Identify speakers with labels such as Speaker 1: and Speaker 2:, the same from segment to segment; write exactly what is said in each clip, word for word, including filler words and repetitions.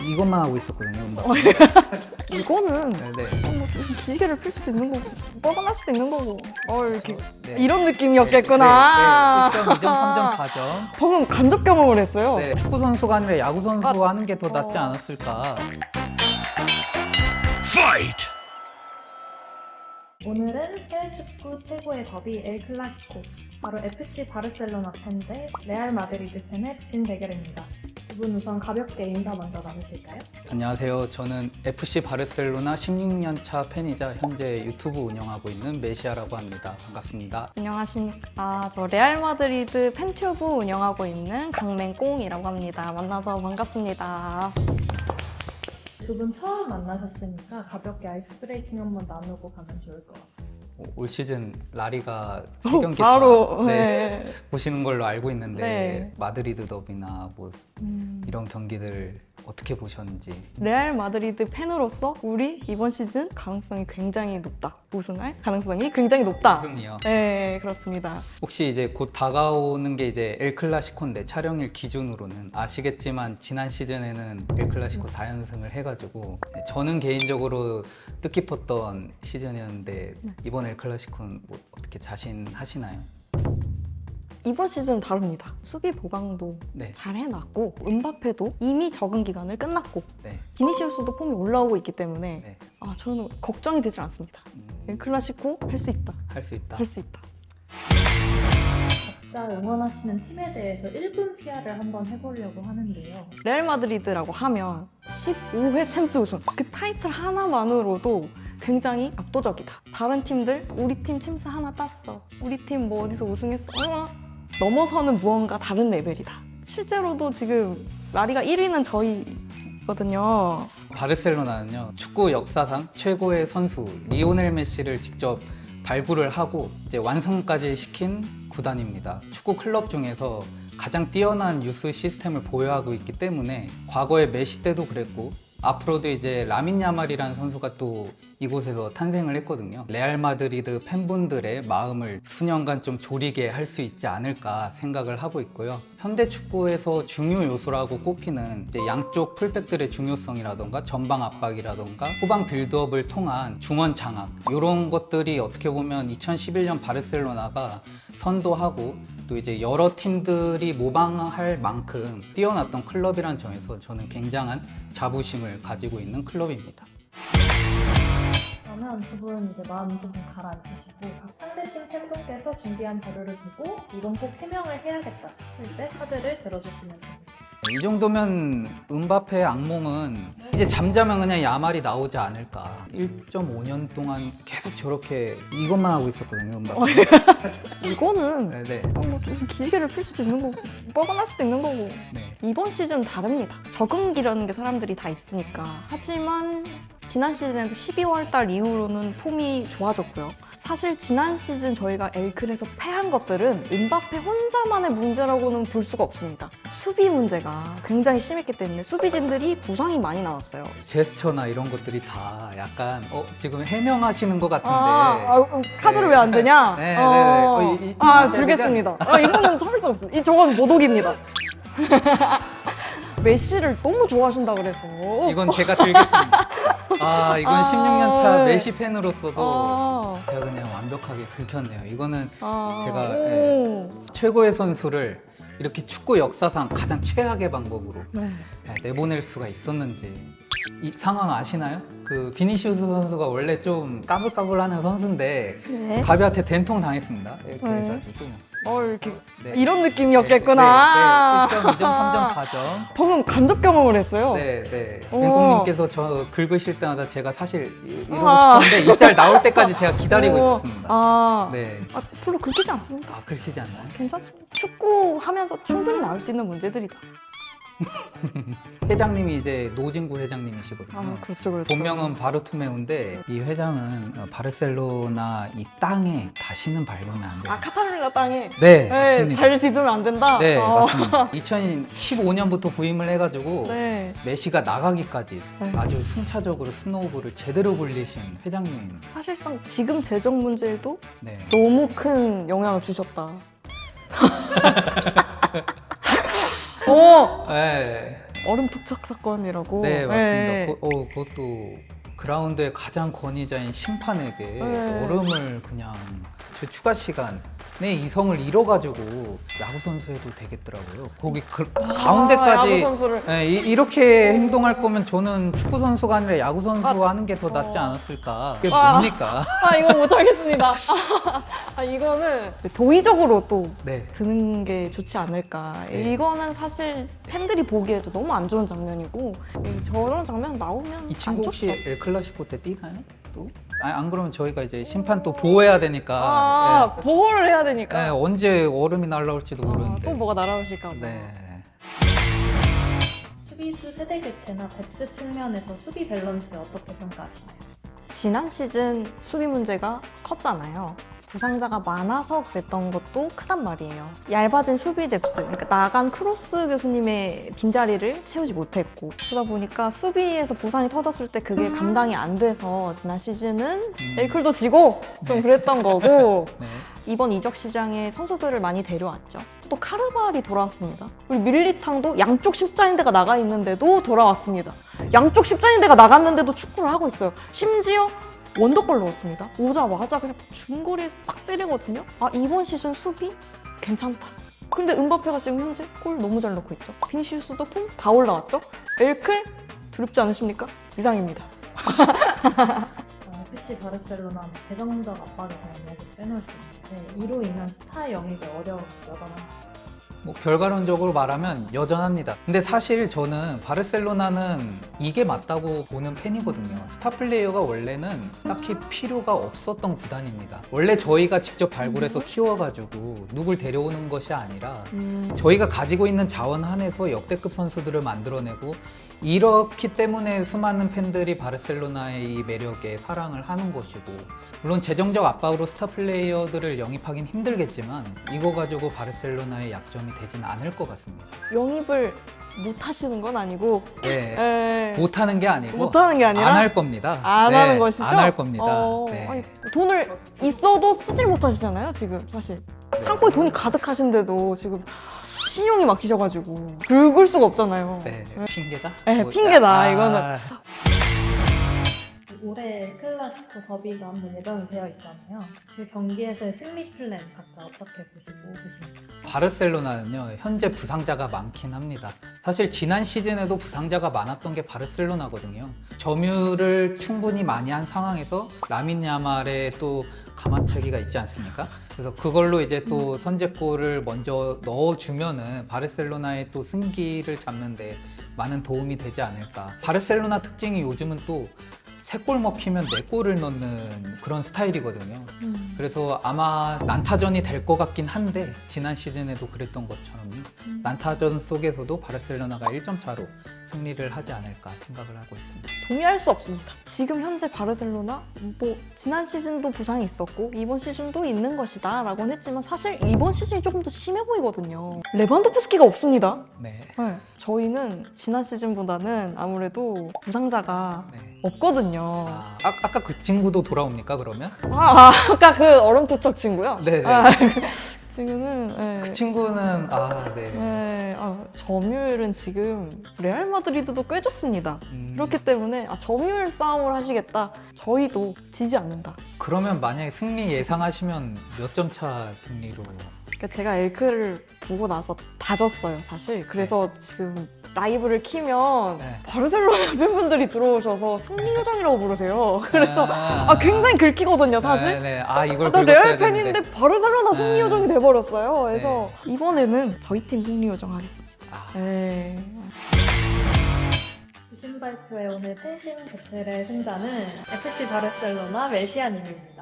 Speaker 1: 이것만 하고 있었거든요.
Speaker 2: 이거는
Speaker 1: 네네.
Speaker 2: 뭐 좀 기지개를 필 수도 있는 거고 뻐근할 수도 있는 거고 어 이렇게
Speaker 1: 네.
Speaker 2: 이런 느낌이었겠구나.
Speaker 1: 네, 네. 일 점, 이 점, 삼 점, 사 점.
Speaker 2: 방금 간접 경험을 했어요.
Speaker 1: 네. 축구 선수가 아니라 야구 선수
Speaker 2: 아,
Speaker 1: 하는 게 더 낫지
Speaker 2: 어.
Speaker 1: 않았을까.
Speaker 3: Fight!
Speaker 4: 오늘은 해외 축구 최고의 더비 엘 클라시코, 바로 에프씨 바르셀로나 팬 대 레알 마드리드 팬의 진 대결입니다. 두 분 우선 가볍게 인사 먼저 나누실까요?
Speaker 1: 안녕하세요. 저는 에프씨 바르셀로나 십육 년 차 팬이자 현재 유튜브 운영하고 있는 메시아라고 합니다. 반갑습니다.
Speaker 2: 안녕하십니까. 아, 저 레알 마드리드 팬튜브 운영하고 있는 강맹꽁이라고 합니다. 만나서 반갑습니다.
Speaker 4: 두 분 처음 만나셨으니까 가볍게 아이스 브레이킹 한번 나누고 가면 좋을 것 같아요.
Speaker 1: 올 시즌 라리가 세
Speaker 2: 어,
Speaker 1: 경기
Speaker 2: 바로
Speaker 1: 다, 네,
Speaker 2: 네.
Speaker 1: 보시는 걸로 알고 있는데
Speaker 2: 네.
Speaker 1: 마드리드 더비나 뭐
Speaker 2: 음,
Speaker 1: 이런 경기들 어떻게 보셨는지.
Speaker 2: 레알 마드리드 팬으로서 우리 이번 시즌 가능성이 굉장히 높다. 우승할 가능성이 굉장히 높다.
Speaker 1: 우승이요.
Speaker 2: 네, 그렇습니다.
Speaker 1: 혹시 이제 곧 다가오는 게 이제 엘 클라시코인데 촬영일 기준으로는 아시겠지만 지난 시즌에는 엘 클라시코 사 연승을 해가지고 저는 개인적으로 뜻깊었던 시즌이었는데
Speaker 2: 네.
Speaker 1: 이번 엘 클라시코는 뭐 어떻게 자신하시나요?
Speaker 2: 이번 시즌 다릅니다. 수비 보강도
Speaker 1: 네.
Speaker 2: 잘 해놨고 은바페도 이미 적응 기간을 끝났고
Speaker 1: 네.
Speaker 2: 비니시우스도 폼이 올라오고 있기 때문에
Speaker 1: 네.
Speaker 2: 아, 저는 걱정이 되질 않습니다.
Speaker 1: 음,
Speaker 2: 엘 클라시코 할 수 있다.
Speaker 1: 할 수 있다.
Speaker 2: 할 수 있다.
Speaker 4: 각자 응원하시는 팀에 대해서 일 분 피아를 한번 해보려고 하는데요.
Speaker 2: 레알 마드리드라고 하면 십오 회 챔스 우승 그 타이틀 하나만으로도 굉장히 압도적이다. 다른 팀들 우리 팀 챔스 하나 땄어. 우리 팀 뭐 어디서 우승했어. 어? 넘어서는 무언가 다른 레벨이다. 실제로도 지금 라리가 일 위는 저희거든요.
Speaker 1: 바르셀로나는요 축구 역사상 최고의 선수 리오넬 메시를 직접 발굴을 하고 이제 완성까지 시킨 구단입니다. 축구 클럽 중에서 가장 뛰어난 유스 시스템을 보유하고 있기 때문에 과거에 메시 때도 그랬고 앞으로도 이제 라민 야말이라는 선수가 또 이곳에서 탄생을 했거든요. 레알 마드리드 팬분들의 마음을 수년간 좀 졸이게 할 수 있지 않을까 생각을 하고 있고요. 현대 축구에서 중요 요소라고 꼽히는 이제 양쪽 풀백들의 중요성이라던가 전방 압박이라던가 후방 빌드업을 통한 중원 장악 이런 것들이 어떻게 보면 이천십일 년 바르셀로나가 선도하고 또 이제 여러 팀들이 모방할 만큼 뛰어났던 클럽이라는 점에서 저는 굉장한 자부심을 가지고 있는 클럽입니다.
Speaker 4: 그러면 두 분 이제 마음 좀 가라앉히시고 각 상대팀 팬분께서 준비한 자료를 보고 이건 꼭 해명을 해야겠다 싶을 때 카드를 들어주시면 됩니다.
Speaker 1: 이 정도면 은바페의 악몽은 이제 잠자면 그냥 야말이 나오지 않을까. 일 점 오 년 동안 계속 저렇게 이것만 하고 있었거든요, 은바페.
Speaker 2: 이거는
Speaker 1: 네네.
Speaker 2: 뭐 좀 기지개를 필 수도 있는 거고 뻐근할 수도 있는 거고
Speaker 1: 네.
Speaker 2: 이번 시즌 다릅니다. 적응기라는 게 사람들이 다 있으니까. 하지만 지난 시즌에도 십이월 달 이후로는 폼이 좋아졌고요. 사실 지난 시즌 저희가 엘클에서 패한 것들은 은바페 혼자만의 문제라고는 볼 수가 없습니다. 수비 문제가 굉장히 심했기 때문에 수비진들이 부상이 많이 나왔어요.
Speaker 1: 제스처나 이런 것들이 다 약간 어 지금 해명하시는 것 같은데.
Speaker 2: 아, 아, 그럼 카드를
Speaker 1: 네.
Speaker 2: 왜 안 되냐?
Speaker 1: 네, 네,
Speaker 2: 어,
Speaker 1: 네. 어, 이- 이-
Speaker 2: 아,
Speaker 1: 이-
Speaker 2: 들겠습니다. 아, 이거는 참을 수 없어요. 이 저건 모독입니다. 메시를 너무 좋아하신다 그래서.
Speaker 1: 이건 제가 들겠습니다. 아 이건
Speaker 2: 아,
Speaker 1: 십육 년 차
Speaker 2: 네.
Speaker 1: 메시 팬으로서도
Speaker 2: 아,
Speaker 1: 제가 그냥 완벽하게 긁혔네요. 이거는
Speaker 2: 아,
Speaker 1: 제가,
Speaker 2: 오.
Speaker 1: 최고의 선수를 이렇게 축구 역사상 가장 최악의 방법으로
Speaker 2: 네.
Speaker 1: 내보낼 수가 있었는지 이 상황 아시나요? 그 비니시우스 선수가 원래 좀 까불까불하는 선수인데
Speaker 2: 네.
Speaker 1: 가비한테 된통 당했습니다. 예,
Speaker 2: 네.
Speaker 1: 그래가지고
Speaker 2: 어, 이렇게
Speaker 1: 네.
Speaker 2: 이런 느낌이었겠구나.
Speaker 1: 네, 네, 일 점, 이 점, 삼 점, 사 점.
Speaker 2: 방금 간접 경험을 했어요.
Speaker 1: 네, 네.
Speaker 2: 우와.
Speaker 1: 맹꽁님께서 저 긁으실 때마다 제가 사실 이- 이러고
Speaker 2: 아.
Speaker 1: 싶었는데 이 짤 나올 때까지 제가 기다리고
Speaker 2: 어,
Speaker 1: 있었습니다.
Speaker 2: 아,
Speaker 1: 네.
Speaker 2: 아, 별로 긁히지 않습니다.
Speaker 1: 아, 긁히지 않나요?
Speaker 2: 괜찮습니다. 축구 하면서 충분히 나올 수 있는 문제들이다.
Speaker 1: 회장님이 이제 노진구 회장님이시거든요.
Speaker 2: 아, 그렇죠, 그렇죠.
Speaker 1: 본명은 바르투메우인데 이 회장은 어, 바르셀로나 이 땅에 다시는 밟으면 안 돼요.
Speaker 2: 아, 카타르냐 땅에
Speaker 1: 네,
Speaker 2: 네,
Speaker 1: 맞습니다.
Speaker 2: 발 디디면 안 된다?
Speaker 1: 네,
Speaker 2: 어.
Speaker 1: 맞습니다. 이천십오 년부터 부임을 해가지고
Speaker 2: 네.
Speaker 1: 메시가 나가기까지
Speaker 2: 네.
Speaker 1: 아주 순차적으로 스노우볼을 제대로 굴리신 회장님입니다.
Speaker 2: 사실상 지금 재정 문제에도
Speaker 1: 네.
Speaker 2: 너무 큰 영향을 주셨다. 어,
Speaker 1: 네.
Speaker 2: 얼음 투척 사건이라고.
Speaker 1: 네, 맞습니다.
Speaker 2: 네.
Speaker 1: 그, 어, 그것도 그라운드의 가장 권위자인 심판에게
Speaker 2: 네.
Speaker 1: 얼음을 그냥 저 추가 시간에 이성을 잃어가지고 야구 선수 해도 되겠더라고요. 거기 그,
Speaker 2: 아, 야구
Speaker 1: 가운데까지
Speaker 2: 선수를.
Speaker 1: 네, 이, 이렇게 행동할 거면 저는 축구 선수가 아니라 야구 선수
Speaker 2: 아,
Speaker 1: 하는 게 더 낫지
Speaker 2: 어.
Speaker 1: 않았을까? 그게
Speaker 2: 아.
Speaker 1: 뭡니까?
Speaker 2: 아, 이거 못하겠습니다. 아, 이거는 도의적으로 또
Speaker 1: 네.
Speaker 2: 드는 게 좋지 않을까.
Speaker 1: 네.
Speaker 2: 이거는 사실 팬들이 보기에도 너무 안 좋은 장면이고 이 저런 장면 나오면
Speaker 1: 이 친구
Speaker 2: 안
Speaker 1: 혹시
Speaker 2: 좋죠.
Speaker 1: 엘클라시코 때 뛰나요? 또? 아니, 안 그러면 저희가 이제 심판 또 보호해야 되니까.
Speaker 2: 아,
Speaker 1: 네.
Speaker 2: 보호를 해야 되니까.
Speaker 1: 네, 언제 얼음이 날라올지도
Speaker 2: 아,
Speaker 1: 모르는데.
Speaker 2: 또 뭐가 날아오실까 봐.
Speaker 1: 네.
Speaker 4: 수비수 세대 교체나 뎁스 측면에서 수비 밸런스 어떻게 평가하시나요?
Speaker 2: 지난 시즌 수비 문제가 컸잖아요. 부상자가 많아서 그랬던 것도 크단 말이에요. 얇아진 수비 뎁스, 그러니까 나간 크로스 교수님의 빈자리를 채우지 못했고 그러다 보니까 수비에서 부상이 터졌을 때 그게 감당이 안 돼서 지난 시즌은
Speaker 1: 음.
Speaker 2: 엘클도 지고 좀
Speaker 1: 네.
Speaker 2: 그랬던 거고
Speaker 1: 네.
Speaker 2: 이번 이적 시장에 선수들을 많이 데려왔죠. 또 카르발이 돌아왔습니다. 그리고 밀리탕도 양쪽 십자인대가 나가 있는데도 돌아왔습니다. 양쪽 십자인대가 나갔는데도 축구를 하고 있어요. 심지어 원더골 넣었습니다. 오자마자 그냥 중거리에 딱 때리거든요. 아, 이번 시즌 수비 괜찮다. 근데 은바페가 지금 현재 골 너무 잘 넣고 있죠. 비니시우스도 폼 다 올라왔죠. 엘클 두렵지 않으십니까? 이상입니다.
Speaker 4: 어, 에프씨 바르셀로나는 재정적 압박에 대한 이야기를 빼놓을 수 있는데 이로 인한 스타 영입이 어려운 여전한
Speaker 1: 뭐 결과론적으로 말하면 여전합니다. 근데 사실 저는 바르셀로나는 이게 맞다고 보는 팬이거든요. 스타 플레이어가 원래는 딱히 필요가 없었던 구단입니다. 원래 저희가 직접 발굴해서 키워가지고 누굴 데려오는 것이 아니라
Speaker 2: 음,
Speaker 1: 저희가 가지고 있는 자원 한에서 역대급 선수들을 만들어내고 이렇기 때문에 수많은 팬들이 바르셀로나의 이 매력에 사랑을 하는 것이고 물론 재정적 압박으로 스타 플레이어들을 영입하긴 힘들겠지만 이거 가지고 바르셀로나의 약점이 되진 않을 것 같습니다.
Speaker 2: 영입을 못 하시는 건 아니고
Speaker 1: 네,
Speaker 2: 에...
Speaker 1: 못하는 게 아니고
Speaker 2: 못하는 게 아니라
Speaker 1: 안 할 겁니다.
Speaker 2: 안
Speaker 1: 네,
Speaker 2: 하는 것이죠?
Speaker 1: 안 할 겁니다.
Speaker 2: 어,
Speaker 1: 네.
Speaker 2: 아니, 돈을 있어도 쓰질 못하시잖아요, 지금 사실. 창고에 돈이 가득하신데도 지금 신용이 막히셔가지고 긁을 수가 없잖아요.
Speaker 1: 네, 핑계다?
Speaker 2: 네,
Speaker 1: 뭐,
Speaker 2: 핑계다,
Speaker 1: 아,
Speaker 2: 이거는.
Speaker 4: 올해 클라시코 더비가 한번 예정이 되어 있잖아요. 그 경기에서의 승리 플랜 각자 어떻게 보시고 계십니까?
Speaker 1: 바르셀로나는요 현재 부상자가 많긴 합니다. 사실 지난 시즌에도 부상자가 많았던 게 바르셀로나거든요. 점유를 충분히 많이 한 상황에서 라민 야말의 또 가마차기가 있지 않습니까? 그래서 그걸로 이제 또 선제골을 먼저 넣어주면은 바르셀로나의 또 승기를 잡는데 많은 도움이 되지 않을까. 바르셀로나 특징이 요즘은 또 세 골 먹히면 네 골을 넣는 그런 스타일이거든요.
Speaker 2: 음.
Speaker 1: 그래서 아마 난타전이 될 것 같긴 한데 지난 시즌에도 그랬던 것처럼
Speaker 2: 음.
Speaker 1: 난타전 속에서도 바르셀로나가 일 점 차로 승리를 하지 않을까 생각을 하고 있습니다.
Speaker 2: 동의할 수 없습니다. 지금 현재 바르셀로나 뭐 지난 시즌도 부상이 있었고 이번 시즌도 있는 것이다 라고는 했지만 사실 이번 시즌이 조금 더 심해 보이거든요. 레반도프스키가 없습니다.
Speaker 1: 네.
Speaker 2: 네, 저희는 지난 시즌보다는 아무래도 부상자가
Speaker 1: 네.
Speaker 2: 없거든요.
Speaker 1: 아, 아, 아까 그 친구도 돌아옵니까 그러면?
Speaker 2: 아, 아, 아까 그 얼음투척 친구요?
Speaker 1: 네네.
Speaker 2: 아, 지금은 네.
Speaker 1: 그 친구는 아 네.
Speaker 2: 네, 아, 점유율은 지금 레알 마드리드도 꽤 좋습니다.
Speaker 1: 음,
Speaker 2: 그렇기 때문에 아, 점유율 싸움을 하시겠다. 저희도 지지 않는다.
Speaker 1: 그러면 만약에 승리 예상하시면 몇 점 차 승리로?
Speaker 2: 그러니까 제가 엘크를 보고 나서 다 졌어요, 사실. 그래서 지금 라이브를 키면
Speaker 1: 네.
Speaker 2: 바르셀로나 팬분들이 들어오셔서 승리 요정이라고 부르세요. 그래서
Speaker 1: 아,
Speaker 2: 아, 굉장히 긁히거든요, 사실.
Speaker 1: 네, 네. 아 이걸
Speaker 2: 아, 나
Speaker 1: 긁었어야
Speaker 2: 레알
Speaker 1: 되는데.
Speaker 2: 팬인데 바르셀로나 승리
Speaker 1: 네.
Speaker 2: 요정이 돼버렸어요. 그래서 이번에는 저희 팀 승리 요정 하겠습니다.
Speaker 1: 아,
Speaker 2: 네.
Speaker 4: 주신 발표의 오늘 팬심 배틀의 승자는 에프씨 바르셀로나 멜시아님입니다.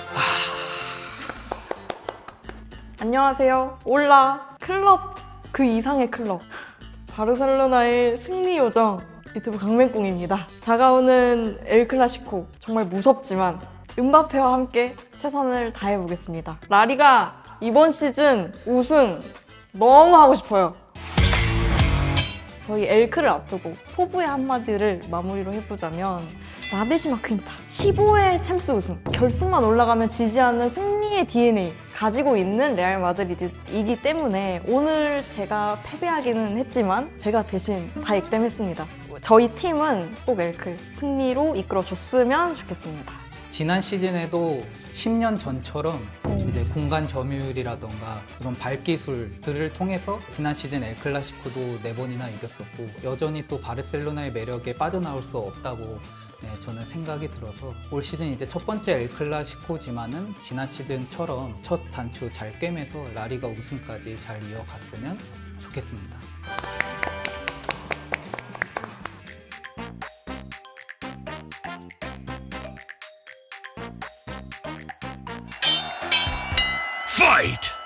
Speaker 2: 안녕하세요. 올라 클럽 그 이상의 클럽 바르셀로나의 승리 요정 유튜브 강맹꽁입니다. 다가오는 엘 클라시코 정말 무섭지만 음바페와 함께 최선을 다해보겠습니다. 라리가 이번 시즌 우승 너무 하고 싶어요. 저희 엘크를 앞두고 포부의 한마디를 마무리로 해보자면 라데시마 퀸타 십오 회 챔스 우승 결승만 올라가면 지지 않는 승리의 디엔에이 가지고 있는 레알 마드리드이기 때문에 오늘 제가 패배하기는 했지만 제가 대신 다 액땜했습니다. 저희 팀은 꼭 엘클 승리로 이끌어줬으면 좋겠습니다.
Speaker 1: 지난 시즌에도 십 년 전처럼 이제 공간 점유율이라던가 이런 발기술들을 통해서 지난 시즌 엘클라시코도 네 번이나 이겼었고 여전히 또 바르셀로나의 매력에 빠져나올 수 없다고 네, 저는 생각이 들어서 올 시즌 이제 첫 번째 엘클라시코지만은 지난 시즌처럼 첫 단추 잘 꿰매서 라리가 우승까지 잘 이어갔으면 좋겠습니다.
Speaker 3: Fight!